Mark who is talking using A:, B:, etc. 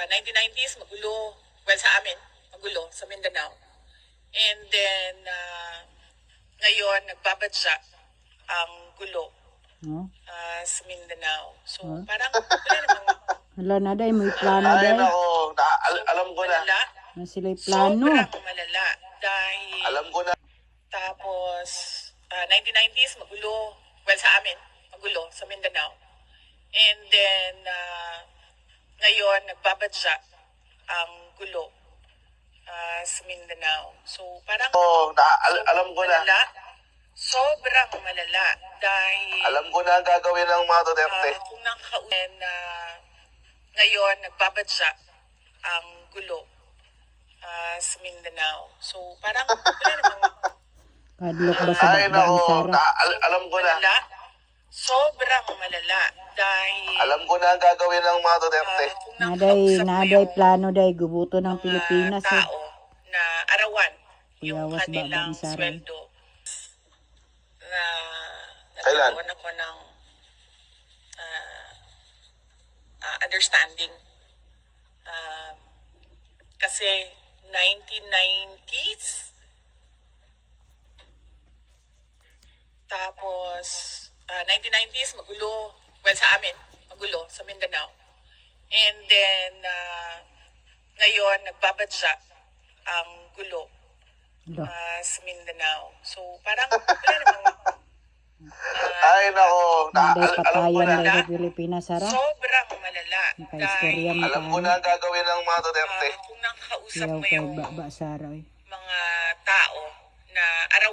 A: 1990s, magulo. Well, sa amin, magulo, sa Mindanao. And then, ngayon, nagbabadya ang gulo
B: No?
A: sa Mindanao. So,
B: Huh?
A: parang, wala namang
B: Wala na day, may plano
C: Ay,
B: day.
C: nako, alam ko na.
A: malala.
B: Na sila'y plano.
A: Sobrang malala. Dahil,
C: Alam ko na.
A: tapos, 1990s, magulo. Well, sa amin, magulo, sa Mindanao. And then, ngayon, nagbabadya ang gulo sa Mindanao. So, parang,
C: Alam ko na.
A: malala. Sobrang malala. Dahil,
C: Alam ko na ang gagawin ng mga Duterte.
A: kung nakakaunin na ngayon, nagbabadya ang gulo sa Mindanao. So, parang, wala namang
B: Kadlok ba sa
C: Ay,
B: bakbang
C: nako,
B: Sara?
C: alam ko na.
A: malala. Sobrang malala. Dahil,
C: Alam ko na ang gagawin ng mga Duterte.
A: kung
B: Naday,
A: nakakausap mo
B: naday
A: yung
B: plano day, gubuto ng
A: mga
B: Pilipinas eh.
A: tao na arawan yung
B: Kuyawas
A: kanilang
B: babang Sara.
A: sweldo na
C: Kailan?
A: nagkaroon ako ng understanding. Kasi 1990s, tapos 1990s, magulo. Well, sa amin, magulo, sa Mindanao. And then, ngayon, nagbabadya ang gulo
B: Alo.
A: sa Mindanao. So, parang, wala namang
C: Ay, nako,
B: Naday
C: alam ko
B: patayan
C: na.
B: day sa Pilipinas, Sara.
A: sobrang malala.
B: Nakaistorya mo
C: Alam ko na ang gagawin ng mga Duterte.
A: kung nakakausap
B: Yaw
A: mo
B: kay
A: yung
B: Baba Sara eh.